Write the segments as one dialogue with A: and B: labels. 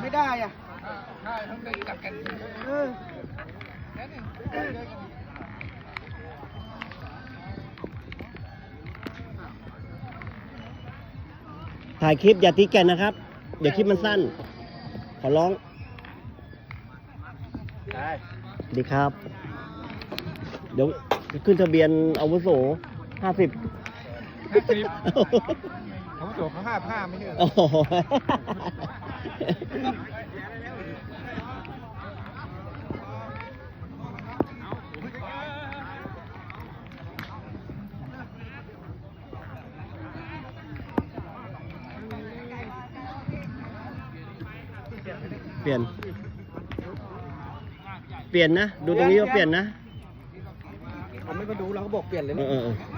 A: ไม่ได้อ่ะ
B: ใช่ต้องได้กัดกัน
C: ถ่ายคลิปอย่าตีแก่นนะครับ เดี๋ยวคลิปมันสั้น ขอร้องดีครับ เดี๋ยวขึ้นทะเบียนอาวุโส50
B: เขาตัวเขา55ไม่ใช่
C: โอ้โหเปลี่ยนนะ ดูตรงนี้ว่าเปลี่ยนนะ
A: เขาไม่มาดูเราก็บอกเปลี่ยนเลยนะ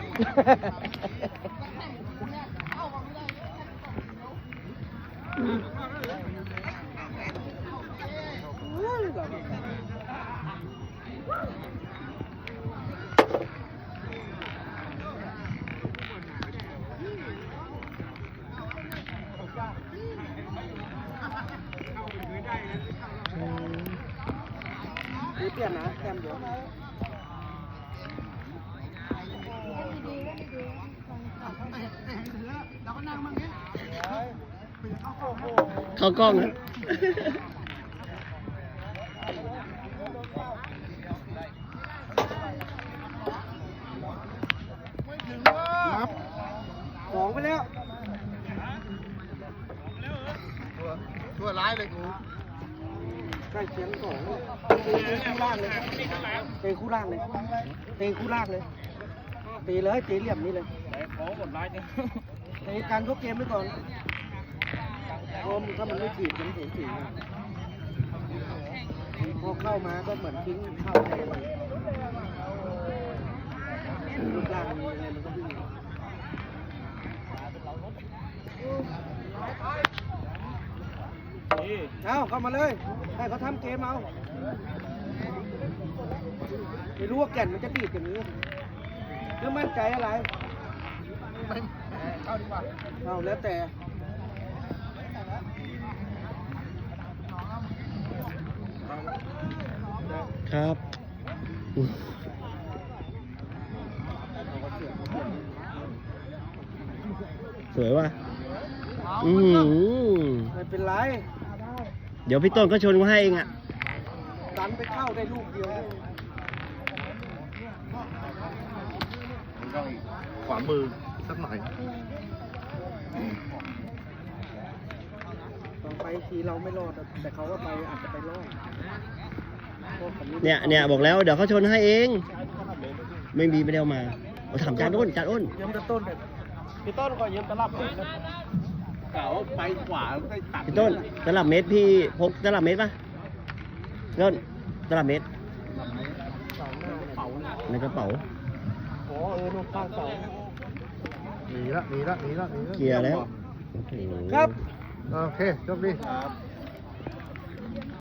A: เปลี่ยนนะแคมเดี๋ยว
C: เข้ากล้องนะ
A: นับ2ไปแล้ว
B: ตัวร้ายเลยกู
A: ใกล้เคียง2เตะคู่ล่างเลยเตะคู่ล่างเลยเตะคู่ล่างเลยตีเลยตีเหลี่ยมนี้เลยเตะการยกเกมไว้ก่อนถ้ามันไม่ถีบมันถีบพอเข้ามาก็เหมือนทิ้งเข้าไปรูปร่างอะไรมันก็วิ่งเอาเข้ามาเลยให้เขาทำเกมเอาไม่รู้ว่าแก่นมันจะบีบอย่างนี้เรื่องมั่นใจอะไร
B: เข้าดีกว่า
A: เอาแล้วแต่
C: ครับสวยว่ะ
A: ไม่เป็นไร
C: เดี๋ยวพี่ต้นก็ชนมาให้เองอ่ะ
A: ดันไปเข้าได้ลูกเดียว
B: ต้องขวามือสักหน่อย
A: ต้องไปทีเราไม่รอดแต่เขาก็ไปอาจจะไปรอด
C: เนี่ยบอกแล้วเดี๋ยวเขาชนให้เองไม่ได้เอามาถามจานอ้น
A: ยืมตะต้นพี่ต้นก็ยืมตะลับเก่าไปขวาไปตัด
C: พี่ต้นตลับเมตรพี่พกตลับเมตรป่ะต้นตลับเมตรในกระเป๋า
A: โอ้นู่นข้างเสา
B: หนีละ
C: เกียร์แล้ว
A: ครับ
B: โอเคจบดี